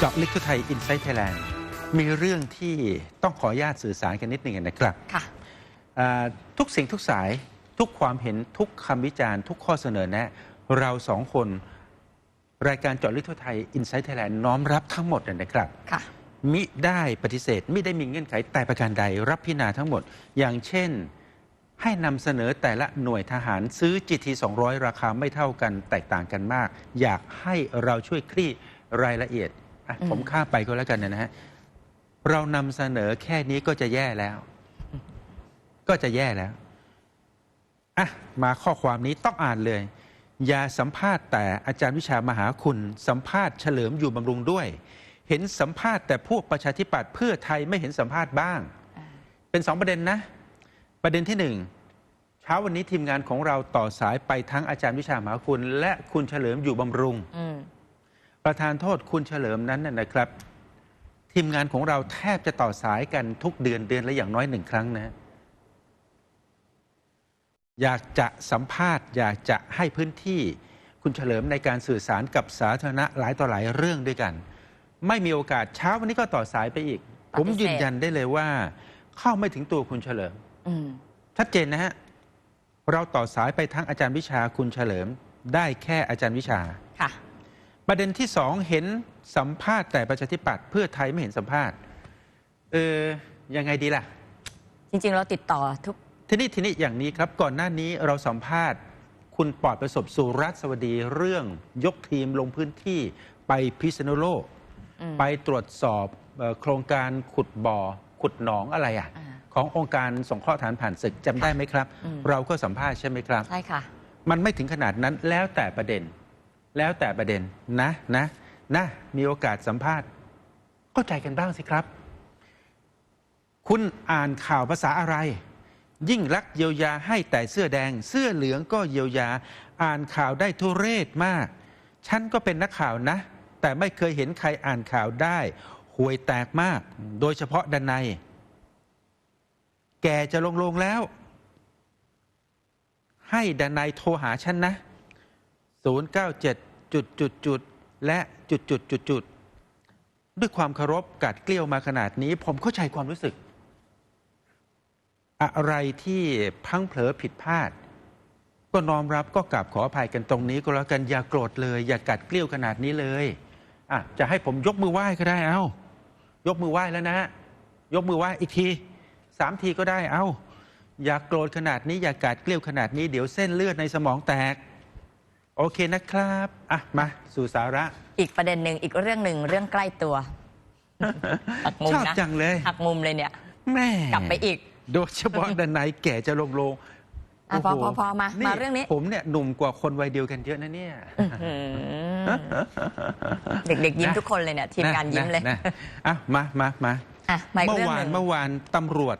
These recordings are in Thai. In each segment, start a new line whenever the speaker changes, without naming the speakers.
เจาะลึกทั่วไทย Inside Thailand มีเรื่องที่ต้องขออนุญาตสื่อสารกันนิดหนึ่งนะครับ
ค่ะ
ทุกสิ่งทุกสายทุกความเห็นทุกคำวิจารณ์ทุกข้อเสนอแนะเราสองคนรายการเจาะลึกทั่วไทย Inside Thailand น้อมรับทั้งหมดนะครับ
ค่ะ
มิได้ปฏิเสธมิได้มีเงื่อนไขแต่ประการใดรับพิจารณาทั้งหมดอย่างเช่นให้นำเสนอแต่ละหน่วยทหารซื้อ GT 200ราคาไม่เท่ากันแตกต่างกันมากอยากให้เราช่วยคลี่รายละเอียดผมข้ามไปก็แล้วกันนะฮะเรานำเสนอแค่นี้ก็จะแย่แล้วมาข้อความนี้ต้องอ่านเลยอย่าสัมภาษณ์แต่อาจารย์วิชามหาคุณสัมภาษณ์เฉลิมอยู่บำรุงด้วยเห็นสัมภาษณ์แต่พวกประชาธิปัตย์เพื่อไทยไม่เห็นสัมภาษณ์บ้างเป็น2ประเด็นนะประเด็นที่1เช้าวันนี้ทีมงานของเราต่อสายไปทั้งอาจารย์วิชามหาคุณและคุณเฉลิมอยู่บำรุงประธานโทษคุณเฉลิมนั้นนะครับทีมงานของเราแทบจะต่อสายกันทุกเดือนละอย่างน้อย1 ครั้งนะอยากจะสัมภาษณ์อยากจะให้พื้นที่คุณเฉลิมในการสื่อสารกับสาธารณะหลายต่อหลายเรื่องด้วยกันไม่มีโอกาสเช้าวันนี้ก็ต่อสายไปอีกผมยืนยันได้เลยว่าเข้าไม่ถึงตัวคุณเฉลิมชัดเจนนะฮะเราต่อสายไปทั้งอาจารย์วิชาคุณเฉลิมได้แค่อาจารย์วิชา
ค่ะ
ประเด็นที่2เห็นสัมภาษณ์แต่ประชาธิปัตย์เพื่อไทยไม่เห็นสัมภาษณ์ยังไงดีล่ะ
จริงๆเราติดต่อทุก
ทีนี้อย่างนี้ครับก่อนหน้านี้เราสัมภาษณ์คุณปลอดประสบสุรัตน์สวัสดีเรื่องยกทีมลงพื้นที่ไปพิษณุโลกไปตรวจสอบโครงการขุดบ่อขุดหนองอะไรขององค์การสงเคราะห์ทหารผ่านศึกจำได้ไหมครับเราก็สัมภาษณ์ใช่ไหมครับ
ใช่ค่ะ
มันไม่ถึงขนาดนั้นแล้วแต่ประเด็นนะมีโอกาสสัมภาษณ์เข้าใจกันบ้างสิครับคุณอ่านข่าวภาษาอะไรยิ่งรักเยียวยาให้แต่เสื้อแดงเสื้อเหลืองก็เยียวยาอ่านข่าวได้ทุเรศมากฉันก็เป็นนักข่าวนะแต่ไม่เคยเห็นใครอ่านข่าวได้ห่วยแตกมากโดยเฉพาะด้านในแกจะลงแล้วให้ด้านในโทรหาฉันนะ097และด้วยความเคารพกัดเกลี้ยวมาขนาดนี้ผมเข้าใจความรู้สึกอะไรที่พังเผลอผิดพลาดก็น้อมรับก็กราบขออภัยกันตรงนี้ก็แล้วกันอย่าโกรธเลยอย่ากัดเกลี้ยวขนาดนี้เลยจะให้ผมยกมือไหว้ก็ได้ยกมือไหว้แล้วนะยกมือไหว้อีกที3 ทีก็ได้อย่าโกรธขนาดนี้อย่ากัดเกลี้ยวขนาดนี้เดี๋ยวเส้นเลือดในสมองแตกโอเคนะครับมาสู่สาระ
อีกประเด็นหนึ่งอีกเรื่องหนึ่งเรื่องใกล้ตัวหักมุมนะ
ชอบจังเลย
หักมุมเลยเนี่ย
แม่
กลับไปอีก
โดยเฉพาะด้านในแก่จะลง
พอมาเรื่องนี้
ผมเนี่ยหนุ่มกว่าคนวัยเดียวกันเยอะนะเนี่ย
เด็กๆยิ้มทุกคนเลยเนี่ยทีมงานยิ้มเลย
มาเมื่อวานตำรวจ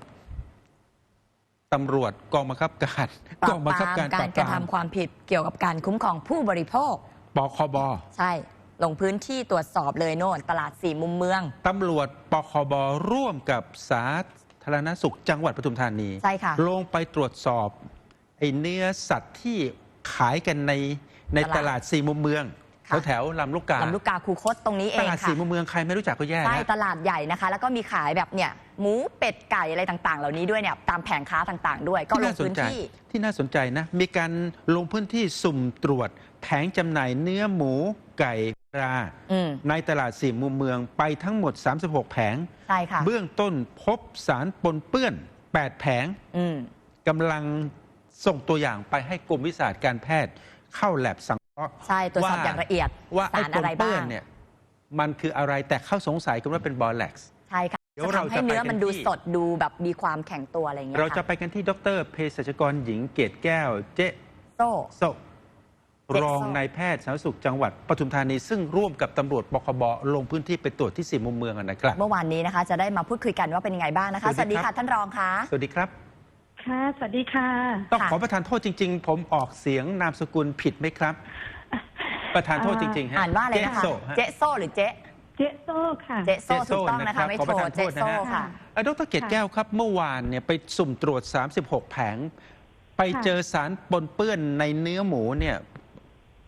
กองบังคับการ
การกระทำความผิดเกี่ยวกับการคุ้มครองผู้บริโภค
ปคบ.
ใช่ลงพื้นที่ตรวจสอบเลยโน่นตลาด4 มุมเมือง
ตำรวจปคบ.ร่วมกับสาธารณสุขจังหวัดปทุมธานี
ใช่ค่ะ
ลงไปตรวจสอบเนื้อสัตว์ที่ขายกันในตลาด4 มุมเมืองแถวลำลูกกา
คูคตตรงนี้เองค่ะ
ตลาด4 มุมเมืองใครไม่รู้จักก็แย่
ใช่ตลาดใหญ่นะคะแล้วก็มีขายแบบเนี่ยหมูเป็ดไก่อะไรต่างๆเหล่านี้ด้วยเนี่ยตามแผงค้าต่างๆด้วยก็ลงพื้นที่
ที่น่าสนใจนะมีการลงพื้นที่สุ่มตรวจแผงจำหน่ายเนื้อหมูไก่ปลาในตลาด4 มุมเมืองไปทั้งหมด36 แผง
ใช่ค่ะ
เบื้องต้นพบสารปนเปื้อน8 แผงกำลังส่งตัวอย่างไปให้กรมวิชาการแพทย์เข้าแลบสังเคราะห์
ใช่ตรวจสอบอย่างละเอียด
ว่าไอ้ปนเปื้อนเนี่ยมันคืออะไรแต่เข้าสงสัยกันว่าเป็นบอแล็กซ์
ใช่ค่ะจะทำให้เนื้อมันดูสดดูแบบมีความแข็งตัวอะไรอย่างเงี้ย
เราจะไปกันที่ดร.เภสัชกรหญิงเกตแก้วเจ๊โซรองนายแพทย์สาธารณสุขจังหวัดปทุมธานีซึ่งร่วมกับตำรวจปคบ.ลงพื้นที่ไปตรวจที่4 มุมเมืองนะครับ
เมื่อวานนี้นะคะจะได้มาพูดคุยกันว่าเป็นยังไงบ้างนะคะสวัสดีค่ะท่านรองค่ะ
สวัสดีครับ
ค่ะสวัสดีค่ะ
ต้องขอประทานโทษจริงๆผมออกเสียงนามสกุลผิดไหมครับประทานโทษจริงๆ
อ่านว่าอะไรนะคะเจ๊โซหรือเจ๊
โซ่ค่ะ
เจ๊โซ่ถูกต้องนะคะไม่โทรเจ๊โซ่ค่ะ
ดร.เกตแก้วครับเมื่อวานเนี่ยไปสุ่มตรวจ36 แผงไปเจอสารปนเปื้อนในเนื้อหมูเนี่ย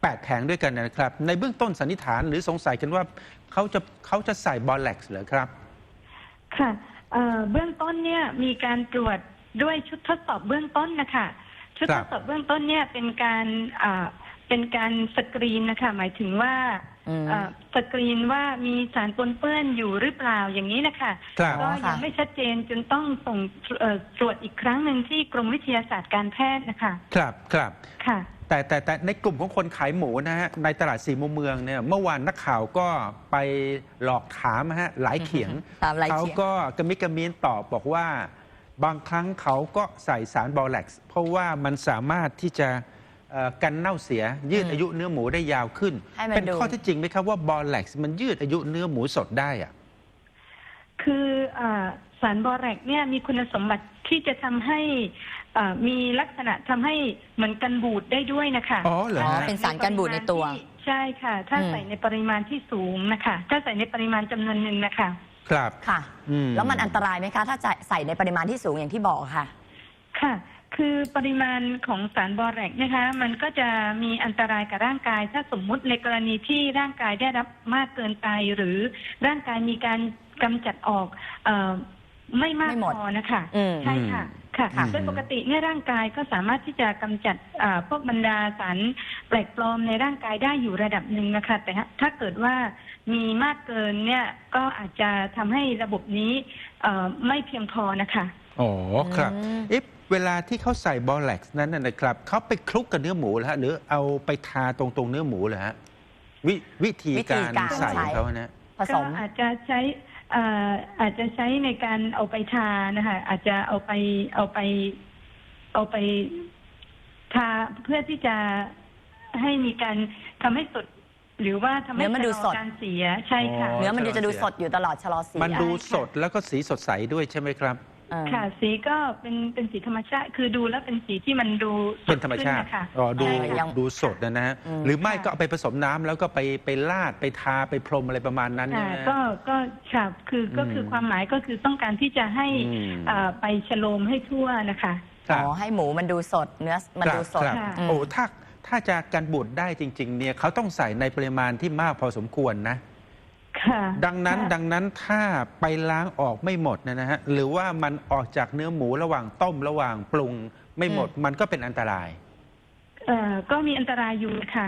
8 แผงด้วยกันนะครับ ในเบื้องต้นสันนิษฐานหรือสงสัยกันว่าเขาจะใส่บอลแล็กซ์เหรอครับ
ค่ะเบื้องต้นเนี่ยมีการตรวจด้วยชุดทดสอบเบื้องต้นนะคะชุด
ครั
ท
บ
ดสอบเบื้องต้นเนี่ยเป็นการสกรีนนะคะหมายถึงว่าสกรีนว่ามีสารปนเปื้อนอยู่หรือเปล่าอย่างนี้นะคะ
ครับ
ก็ยังไม่ชัดเจนจนต้องส่งตรวจอีกครั้งหนึ่งที่กรมวิทยาศาสตร์การแพทย์นะคะ
ครับครับ
ค่ะ
แต่ในกลุ่มของคนขายหมูนะฮะในตลาดสี่มุมเมืองเนี่ยเมื่อวานนักข่าวก็ไปหลอกถามฮะหลายเขียง
ตามหลาย
เขา
เขียง
ก็กระมิดกระมีนตอบบอกว่าบางครั้งเขาก็ใส่สารบอแล็กซ์เพราะว่ามันสามารถที่จะกันเน่าเสียยืดอายุเนื้อหมูได้ยาวขึ้น
ให้มัน
เป็น
ดู
ข้อเท็จจริงไหมครับว่าบอแล็กซ์มันยืดอายุเนื้อหมูสดได้อะ
คือสารบอแรกเนี่ยมีคุณสมบัติที่จะทำให้มีลักษณะทำให้เหมือนกันบูดได้ด้วยนะคะ
อ๋อเหรอฮะ
เป็นสารกันบูดในตัว
ใช่ค่ะ ถ้าใส่ในปริมาณที่สูงนะคะ ถ้าใส่ในปริมาณจำนวนหนึ่งนะคะ
ครับ
ค่ะ
อืม
แล้วมันอันตรายไหมคะ ถ้าใส่ในปริมาณที่สูงอย่างที่บอกค่ะ
ค่ะ คือปริมาณของสารบอแรกนะคะ มันก็จะมีอันตรายกับร่างกาย ถ้าสมมุติในกรณีที่ร่างกายได้รับมากเกินไปหรือร่างกายมีการกำจัดออกไม่มาก
ไม่หมด
พอนะคะ
อืม
ใช่ค่ะ ค่ะ
ค่ะ
โดยปกติเนี่ยร่างกายก็สามารถที่จะกำจัดพวกบรรดาสารแปลกปลอมในร่างกายได้อยู่ระดับหนึ่งนะคะ แต่ถ้าเกิดว่ามีมากเกินเนี่ยก็อาจจะทำให้ระบบนี้ไม่เพียงพอนะคะ
อ๋อครับ
อืม
เอ๊ะเวลาที่เขาใส่บอแล็กซ์นั้นนะครับเขาไปคลุกกับเนื้อหมูเหรอฮะหรือเอาไปทาตรงเนื้อหมูเหรอฮะวิธีการใส่ของเขานะ
ผส
ก็
ม
อาจจะใช้ในการเอาไปทานะคะอาจจะเอาไปทาเพื่อที่จะให้มีการทำให้สด หรือว่าทำให้
เนื้อมันดูสด
ชะลอการเสียใช่ค่ะ
อ๋อ
เนื้อมันจะดูสดอยู่ตลอดชะลอเสีย
มันดูสดแล้วก็สีสดใสด้วยใช่ไหมครับ
ค่ะ สีก็เป็นสีธรรมชาติ คือดูแล้วเป็นสีที่มันดูส
เป็น
ด
ธรรม
ขึ้น
ชาติ
นะคะ
อ๋อดู
ใช่ค่ะ
ดูสดนะฮะ
อืม
หรือไม่
ค่ะ
ก็เอาไปผสมน้ำแล้วก็ไปลาดไปทาไปพรมอะไรประมาณนั้น
ค่ะ
ใช่ไหม
ก็ค่ะก็คือความหมายก็คือต้องการที่จะให้
อืม
ไปฉโลมให้ทั่วนะคะ
ครับ
อ๋อให้หมูมันดูสด เนื้อมันดูสด
ครับ
ค่ะ
อืม
โอ้ถ้าจะกันบูดได้จริง ๆ เนี่ยเขาต้องใส่ในปริมาณที่มากพอสมควรนะ
ค่ะ
ดังนั้นถ้าไปล้างออกไม่หมดนะฮะหรือว่ามันออกจากเนื้อหมูระหว่างต้มระหว่างปรุงไม่หมดมันก็เป็นอันตราย
ก็มีอันตรายอยู่ค่ะ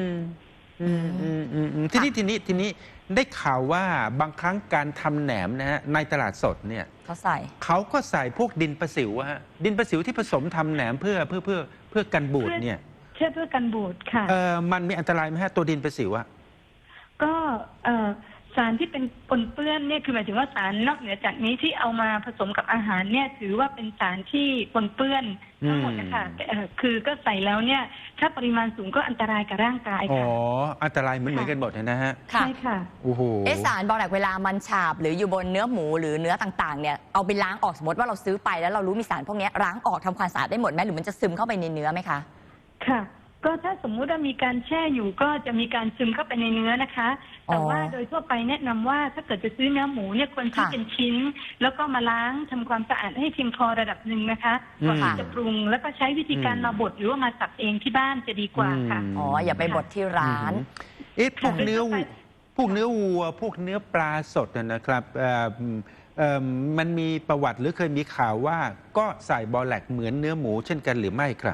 ทีนี้ได้ข่าวว่าบางครั้งการทำแหนมนะฮะในตลาดสดเนี่ย
เขาใส่
เขาก็ใส่พวกดินประสิวอะฮะดินประสิวที่ผสมทำแหนมเพื่อกันบูดเนี่ย
เพื่อกันบูดค่ะ
มันมีอันตรายไหมฮะตัวดินประสิวอะ
ก็สารที่เป็นปนเปื้อนเนี่ยคือหมายถึงว่าสารนอกเหนือจากนี้ที่เอามาผสมกับอาหารเนี่ยถือว่าเป็นสารที่ปนเปื้อนทั้งหมดนะคะคือก็ใส่แล้วเนี่ยถ้าปริมาณสูงก็อันตรายกับร่างกาย
อ๋อ
ค่ะ
อันตรายเหมือนกันหมดนะฮะ
ค่ะ
ใช่ค่ะ
โอ้โห
สารบอแรกเวลามันฉาบหรืออยู่บนเนื้อหมูหรือเนื้อต่างๆเนี่ยเอาไปล้างออกสมมติว่าเราซื้อไปแล้วเรารู้มีสารพวกนี้ล้างออกทำความสะอาดได้หมดไหมหรือมันจะซึมเข้าไปในเนื้อไหมคะ
ค่ะ ก็ถ้าสมมุติว่ามีการแช่อยู่ก็จะมีการซึมเข้าไปในเนื้อนะคะ แต่ว่าโดยทั่วไปแนะนำว่าถ้าเกิดจะซื้อเนื้อหมูเนี่ยควรที่
ค่ะ
เป็นชิ้น แล้วก็มาล้างทำความสะอาดให้เพียงพอระดับหนึ่งนะคะก่อนที่จะปรุงแล้วก็ใช้วิธีการมาบดหรือว่ามาสับเองที่บ้านจะดีกว่าค่ะ
อ๋ออย่าไปบดที่ร้าน
พวกเนื้อวัวพวกเนื้อปลาสดนะครับมันมีประวัติหรือเคยมีข่าวว่าก็ใส่บอแลกเหมือนเนื้อหมูเช่นกันหรือไม่ครับ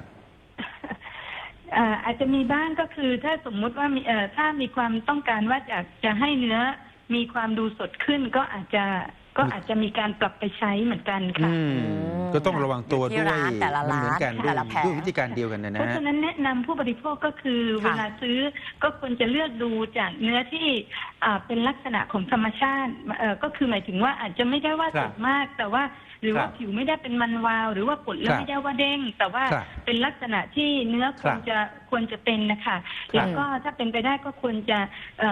อาจจะมีบ้างก็คือถ้าสมมุติว่ามีถ้ามีความต้องการว่าอยากจะให้เนื้อมีความดูสดขึ้นก็อาจจะมีการปรับไปใช้เหมือนกันค่ะ
ก็ต้องระวังตัว
ที่
ด้วย
ร้านแต่ละ
มัน
ร้าน
เหมือนกัน
แต่ละแผง
ด้วยวิธีการเดียวกันนะ
เพราะ
ฮะ
ฉะนั้นแนะนำผู้บริโภคก็คือ
ค่ะ
เวลาซื้อก็ควรจะเลือกดูจากเนื้อที่เป็นลักษณะของธรรมชาติก็คือหมายถึงว่าอาจจะไม่ได้ว่า
ครั
ส
บ
ดมาก แต่ว่าหรือว่า
ครับ
ผิวไม่ได้เป็นมันวาว หรือว่าปดแล้ว
ครับ
ไม่ได้ว่าเด้ง แต่ว่า
ครับ
เป็นลักษณะที่เนื้อควรจะเป็นนะคะแล้วก็ถ้าเป็นไปได้ก็ควรจะ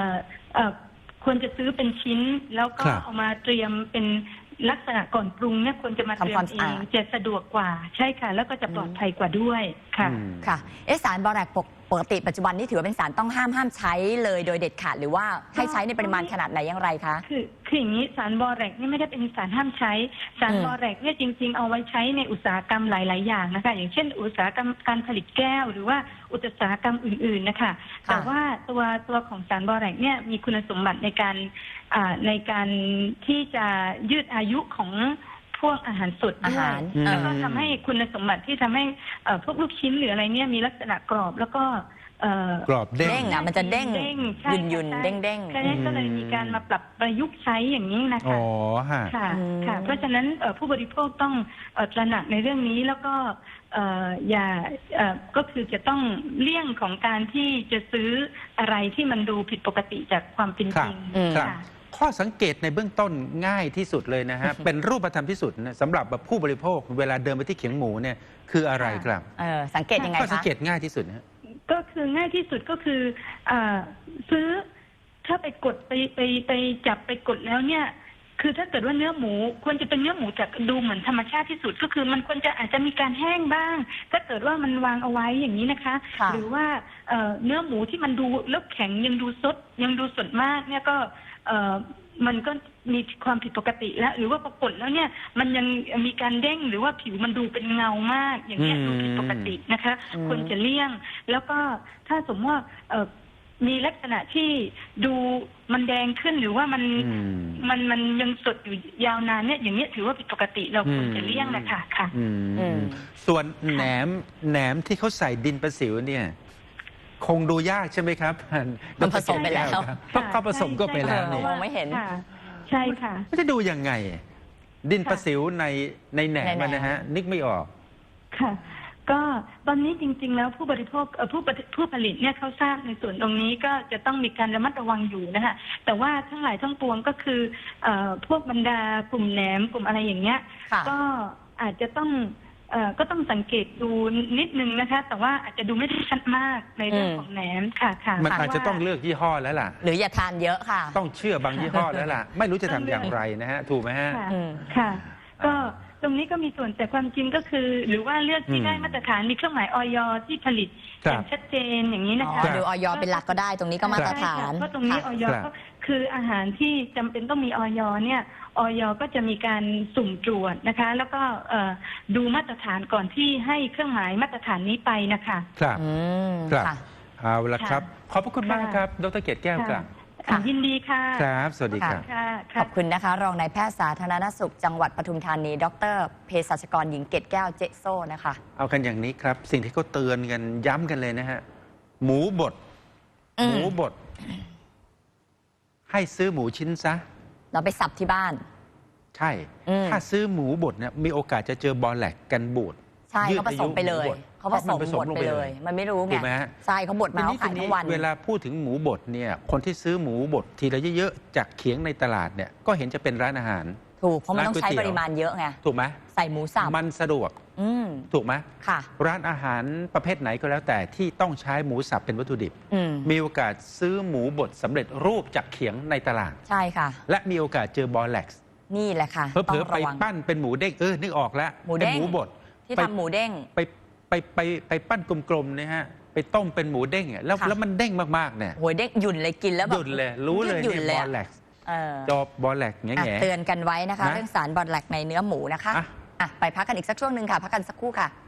ซื้อเป็นชิ้น แล้วก็
ครับ
เอามาเตรียมเป็นลักษณะก่อนปรุงเนี่ยควรจะมาเตรีย
ทำความ
ม
สะ
เอ
อาด
งจะสะดวกกว่าใช่ค่ะ แล้วก็จะปลอดภัยกว่าด้วยค่ะ
ค่ะสารบอแรกปปกติปัจจุบันนี้ถือว่าเป็นสารต้องห้ามใช้เลยโดยเด็ดขาดหรือว่าให้ใช้ในปริมาณขนาดไหนอย่างไรคะ
คืออย่างนี้สารบอแรกนี่ไม่ได้เป็นสารห้ามใช้สารบอแรกเนี่ยจริงๆเอาไว้ใช้ในอุตสาหกรรมหลายๆอย่างนะคะอย่างเช่นอุตสาหกรรมการผลิตแก้วหรือว่าอุตสาหกรรมอื่นๆนะคะแต่ว่าตัวของสารบอแรกเนี่ยมีคุณสมบัติในการที่จะยืดอายุของพวกอาหารสดด้วยแล้วก็ทำให้คุณสมบัติที่ทำให้พวกลูกชิ้นหรืออะไรเนี่ยมีลักษณะกรอบแล้วก็
กรอบเด้ง
มันจะเด้งยุนเด้ง
ก็เลยมีการมาปรับประยุกต์ใช้อย่างนี้นะคะค่ะเพราะฉะนั้นผู้บริโภคต้องตระหนักในเรื่องนี้แล้วก็อย่าก็คือจะต้องเลี่ยงของการที่จะซื้ออะไรที่มันดูผิดปกติจากความเป็นจริงค่ะ
ข้อสังเกตในเบื้องต้นง่ายที่สุดเลยนะฮะ เป็นรูปธรรมที่สุดนะสำหรับผู้บริโภคเวลาเดินไปที่เขียงหมูเนี่ยคืออะไรครับ
สังเกตยังไงคะ
ข้อสังเกตง่ายที่สุดนะ
ก็คือง่ายที่สุดก็คือซื้อถ้าไปกดไปจับไปกดแล้วเนี่ยคือถ้าเกิดว่าเนื้อหมูควรจะเป็นเนื้อหมูจากดูเหมือนธรรมชาติที่สุดก็คือมันควรจะอาจจะมีการแห้งบ้างถ้าเกิดว่ามันวางเอาไว้อย่างนี้นะคะหรือว่าเนื้อหมูที่มันดูแล้วแข็งยังดูสดมากเนี่ยก็มันก็มีความผิดปกติแล้วหรือว่าปรากฏแล้วเนี่ยมันยังมีการเด้งหรือว่าผิวมันดูเป็นเงามากอย่างเงี้ยดูผิดปกตินะคะควรจะเลี่ยงแล้วก็ถ้าสมมติว่ามีลักษณะที่ดูมันแดงขึ้นหรือว่ามันยังสดอยู่ยาวนานเนี่ยอย่างเงี้ยถือว่าผิดปกติเราควรจะเลี่ยงนะคะค่ะ
ส่วนแหนมที่เขาใส่ดินประสิวเนี่ยคงดูยากใช่ไหมครับ
มันผสมไปแล้ว
ก็ผสมก็ไปแล้ว
เนี่ยมองไม่เห็น
ใช่ค่ะ
จะดูยังไงดินประสิวในแหนมนะฮะนึกไม่ออก
ค่ะก็ตอนนี้จริงๆแล้วผู้บริโภคผู้ผลิตเนี่ยเขาทราบในส่วนตรงนี้ก็จะต้องมีการระมัดระวังอยู่นะคะแต่ว่าทั้งหลายทั้งปวงก็คือพวกบรรดากลุ่มแหนมกลุ่มอะไรอย่างเงี้ยก็อาจจะต้องก็ต้องสังเกตดูนิดนึงนะคะแต่ว่าอาจจะดูไม่ได้ชัดมากในเรื่องของแหนมค่ะ
มันอาจจะต้องเลือกยี่ห้อแล้วล่ะ
หรืออย่าทานเยอะค่ะ
ต้องเชื่อบางยี่ห้อแล้วล่ะไม่รู้จะทำอย่างไรนะฮะถูกไหมฮะ
ค่ะก็ตรงนี้ก็มีส่วนแต่ความจริงก็คือหรือว่าเลือกที่ได้มาตรฐานมีเครื่องหมายอย.ที่ผลิตอย่างชัดเจนอย่างนี้นะคะ
ดูอย.เป็นหลักก็ได้ตรงนี้ก็มาตรฐาน
เพราะตรงนี้อย.ก็คืออาหารที่จำเป็นต้องมีอย.เนี่ยอย.ก็จะมีการสุ่มตรวจนะคะแล้วก็ดูมาตรฐานก่อนที่ให้เครื่องหมายมาตรฐานนี้ไปนะคะ
ครับเอาละครับขอบพระคุณมากครับดร.เกตแก้วครับ
ยินดีค่ะ
ครับสวัสดีครับ
ขอบคุณนะคะรองนายแพทย์สาธารณสุขจังหวัดปทุมธานีดร.เภสัชกรหญิงเกตแก้วเจโซ่นะคะ
เอากันอย่างนี้ครับสิ่งที่เขาเตือนกันย้ำกันเลยนะฮะหมูบดให้ซื้อหมูชิ้นซะ
เราไปสับที่บ้าน
ใช่ถ้าซื้อหมูบดเนี่ยมีโอกาสจะเจอบอแลกกันบูด
ใช่เขาผสมไปเลยเขาผสมบดไปเลยมันไม่รู้ไงใช่เขาบดมาเขาขายทั้งวัน
เวลาพูดถึงหมูบดเนี่ยคนที่ซื้อหมูบดทีละเยอะๆจากเขียงในตลาดเนี่ยก็เห็นจะเป็นร้านอาหาร
ถูกเพราะมันต้องใช้ปริมาณเยอะไง
ถูกไหม
ใส่หมูสับ
มันสะดวกถูกไหม
ค่ะ
ร้านอาหารประเภทไหนก็แล้วแต่ที่ต้องใช้หมูสับเป็นวัตถุดิบมีโอกาสซื้อหมูบดสำเร็จรูปจากเขียงในตลาด
ใช่ค่ะ
และมีโอกาสเจอบอแล็กซ์
นี่แหละค่ะ
เผลอไปปั้นเป็นหมูเด้งนึกออกแล้ว
หมูบดที่ทำหมูเด้ง
ไปปั้นกลมๆนะฮะไปต้มเป็นหมูเด้งแล้วมันเด้งมากๆเนี่ย
โหยเด้งหยุ่นเลยกินแล้วแบบ
หยุ่นเลยรู้เลยเนี่ยบอแล็กซ์จอบอแล็กแง่
เตือนกันไว้นะคะเรื่องสารบอแล็กในเนื้อหมูนะคะไปพักกันอีกสักช่วงหนึ่งค่ะพักกันสักครู่ค่ะ